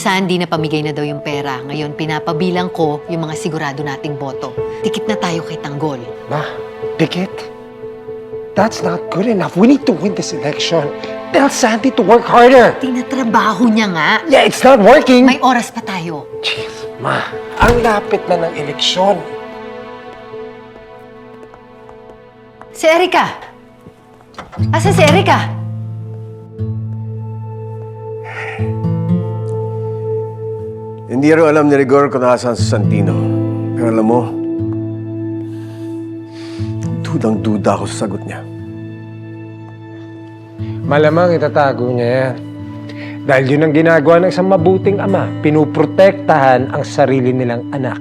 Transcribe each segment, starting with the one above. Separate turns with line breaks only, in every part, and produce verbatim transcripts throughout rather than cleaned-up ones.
Sandy na pamigay na daw yung pera. Ngayon, pinapabilang ko yung mga sigurado nating boto. Tikit na tayo kay Tanggol.
Ma, dikit. That's not good enough. We need to win this election. Tell Sandy to work harder.
Tinatrabaho niya nga.
Yeah, it's not working.
May oras pa tayo.
Jeez, ma, ang lapit na ng eleksyon.
Si Erica! Asa si Erica?
Hindi rin alam ni Rigor kung nasaan si Santino. Pero alam mo, dudang-duda ako sa sagot niya.
Malamang itatago niya yan. Dahil yun ang ginagawa ng isang mabuting ama. Pinuprotektahan ang sarili nilang anak.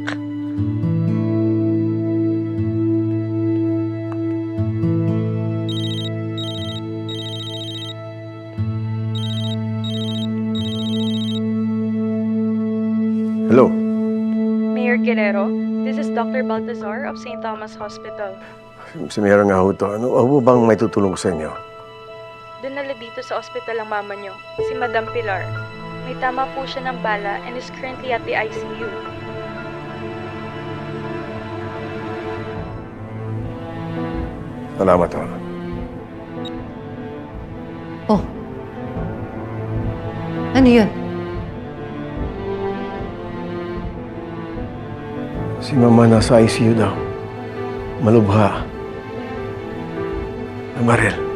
Hello?
Mayor Guerrero, this is Doctor Baltazar of Saint Thomas Hospital.
Si Mayor nga ho to. Ano, ano bang may tutulong ko sa inyo?
Dinala dito sa ospital ang mama niyo, si Madam Pilar. May tama po siya ng bala and is currently at the I C U.
Salamat ho.
Oh. Ano yun?
Si Mama nasa I C U daw. Malubha. Namaril.